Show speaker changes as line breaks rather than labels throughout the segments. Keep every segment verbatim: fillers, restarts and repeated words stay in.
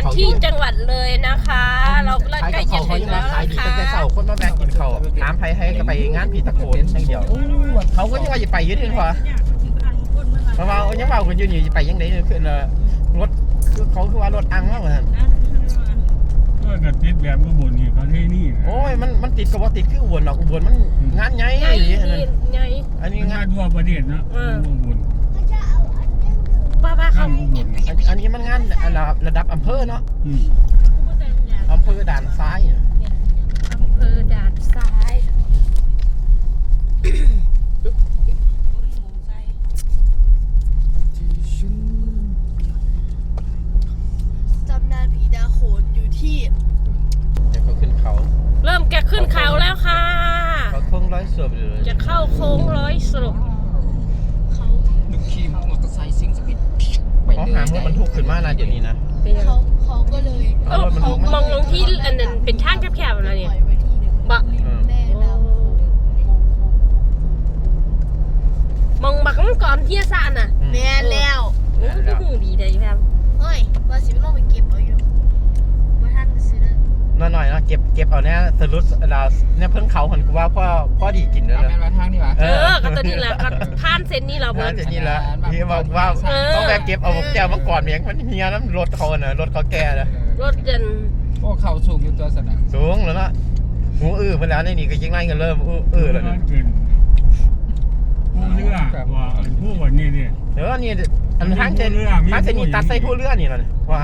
ที่จังหวัดเลยนะคะเราใกล้จะถึงแล้ว
ขายดีตั้งแต่เช้าคนมาแบกกินข้าวน้ำไผ่ให้ก็ไปงานผีตะโขนอย่างเดียวเขาก็ยังว่าจะไปยืดถึงพอเพราะว่ายังว่าคนยืนอยู่จะไปยังไงคือรถคือเขาคือว่ารถอังมากเลย
ก็กระติดแบบอุบลนี่เขาเท่นี่
โอ้ยมันมันติดกับว่าติดคืออุบลหรอกอุบลมันงานใหญ่
ไง
อันนี้งาน
ทั่วประเทศนะอุบล
ป้าป้าเขา
อันนี้มันงานระดับอำเภอเนาะอำเภอด่านซ้าย
อำเภอด่านซ้าย
ตำนานผีตาโขนอยู่ที่
จะเขาขึ้นเขา
เริ่มแกขึ้นเขาแล้วค่ะ
เขาโค้งร้อยศพเลย
จะเข้าโค้งร้อยศพ
เขา
ดูขี่มอเตอร์ไซค์ซิ่งสปีด
เขาหามรถบรรทุกขึ้นมานะเดี๋ยวนี้นะ
เขาเขาก็เลย
เขามองลงที่อันนั้นเป็นทางแคบๆอะไรเนี่ยบะ
แม่น้
ำมองบักก่อนที่จะสั่นอ่ะ
แม่แล้ว
โอ้ก็หูดีเลยครับ
เฮ้ยว่าสิไม่ลงไปเก็บเอาอยู่ว่าท่านซื้อ
หน่อยๆนะเก็บเก็บเอาเนี่ยสรุปเราเนี่ยเพิ่งเขาหันกูว่าพ่อพ่อดีกินแล้ว
แม่มาทางนี่วะ
เออก็ตัวนี้แหละก็ผ่านเส้นนี้เราเบิร์
นเส้นนี้แล้วที่บอกว่าต้องแบกเก็บเอาแก้วมาก่อนเมียงมันเฮียน้ำรถเขาเนอะรถเขาแก่เลย
รถจน
พวกเขาสูงอยู่ตัวสัน
สูงแล้วนะหูอื้อเมื่อแล้วนี่ก็ยิ่งไล่กันเริ่มอื้อแล้วเนี่ย
ผู้เรือว่าผู้วันนี้เนี่ย
เออนี่อันทางเจนทางเจนนี่ตัดใส่ผู้เรือนี่เลยว่า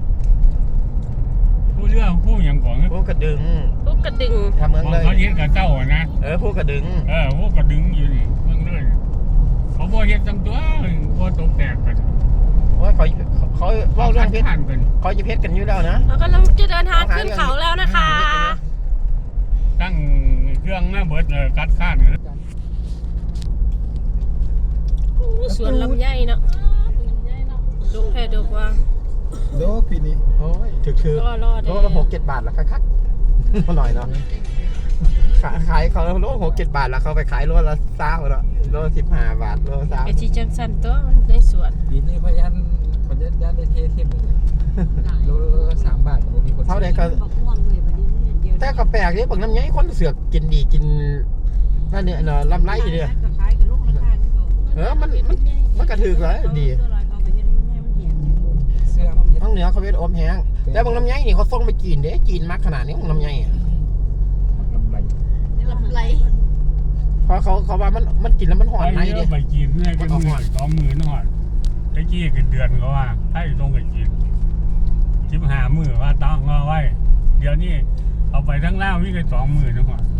ผู้เรือผู้อย่างของ
ผู้กระดึง
ผู้กระดึง
ทำเมืองเลย
เขาเย็ดกับเจ้านะ
เออผู้กระดึง
เออผู้กระดึงอยู่นี่เมืองเลยเขาบ่เย็ดจังตัวบ่ตกแตกกัน
ว่าเขาเขาเล่าเรื่องเพชรเขาจะเพชรกันอยู่แล้วนะ
เรากำลังจะเดินทางขึ้นเขาแล้วนะคะ
ตั้งเครื่องหน้าเบิดเลยกัดข้านเลย
สวนลำไยเนาะดกแท้ดกว่า
โดปีนี้โอ้ยถือคือโลละหกเจ็ดบาทละคักๆหน่อยเนาะขายเขาโลหกเจ็ดบาทแล้วเขาไปขายโลละเศร้าแล้วโลสิบห้าบาทโลสาม
ไอชีจังสันตัวมันในสวน
ปีนี้พยันพยันยันได้เทเทียมเลยโลละสามบาทมีคน
เท่าไหร่ก็แต่ก็แปลกนี่บางน้ำยัยคนเสือกกินดีกินนั่นเนี่ยเนาะลำไรเนี่ยเออมันมันมันกระถือเลยดีทั้งเหนือเขาเป็นอมแห้งแต่บางน้ำยัยนี่เขาส่งไปจีนเด้จีนมากขนาดนี้บางน้ำยัยอ่ะ
ลำไรลำไร
เพราะเขาเขาว่ามันมันกินแล้วมันหอนในดิ
ไปจีนเนี่ยก็หอนสองหมื่นหอนไอ้กี้กินเดือนก็ว่าให้ตรงกับจีนชิบหามือว่าต้องงอไว้เดี๋ยวนี้เอาไปทั้งเล่าวิ่งไปสองหมื่นหอน